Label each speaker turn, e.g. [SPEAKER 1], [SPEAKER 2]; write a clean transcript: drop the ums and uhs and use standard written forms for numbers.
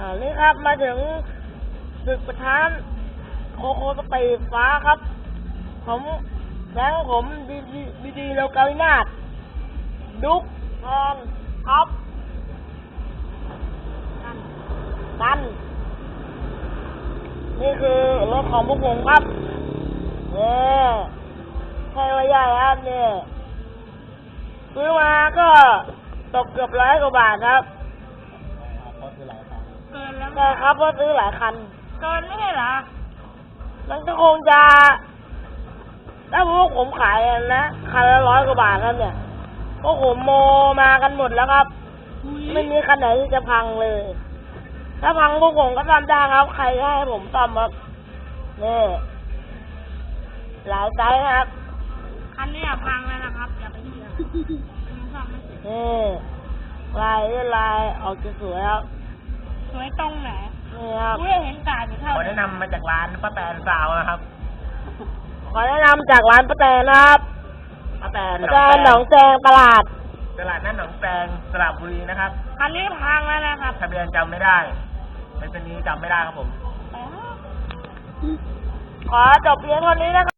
[SPEAKER 1] นี่ครับมาถึงศึกประธานโคโคสเปรย์ฟ้าครับผมแบงค์ผมดีโลกาวินาศดุ๊กแทนครับกันนี่คือรถของพวกผมครับเนี่ยใช่ว่าใหญ่ครับเนี่ยซื้อมาก็ตกเกือบ100 กว่าบาทครับ
[SPEAKER 2] เกินแล้ว
[SPEAKER 1] ใช่ครับเพราะซื้อหลายคัน
[SPEAKER 2] เกินไม่ใช่เหรอ
[SPEAKER 1] มันก็คงจะถ้าพวกผมขายนะคันละ100 กว่าบาทครับเนี่ยพวกผมโมมากันหมดแล้วครับไม่มีคันไหนที่จะพังเลย ถ้าพังพวกผมก็ซ่อมได้ครับใครให้ผมซ่อมครับนี่หลายไซส์ครับ
[SPEAKER 2] คันนี้พังแล้วนะครับอย่าไปเชื่อมันซ่อมไม่เสร็จ
[SPEAKER 1] นี่ลายออกจะสวยครับ
[SPEAKER 2] สวยตรงไหน
[SPEAKER 1] นี่ครับ
[SPEAKER 2] กูเห็นกาดอยู่เท่า
[SPEAKER 3] ขอแนะนำมาจากร้านป้าแตนซาวนะครับ
[SPEAKER 1] ขอแนะนำจากร้านป้าแตนนะครับ
[SPEAKER 3] ป้าแตน
[SPEAKER 1] ป้าแตนหนองแจงตลาด
[SPEAKER 3] ตลาดนัดหนองแตงสระบุรีนะครับ
[SPEAKER 2] คันนี้พังแล้วนะครับ
[SPEAKER 3] ทะเบียนจำไม่ได้เป็นตัวนี้จำไม่ได้ครับผม
[SPEAKER 2] ไปเถอะ
[SPEAKER 1] ขอจบเพียงเท่านี้นะครับ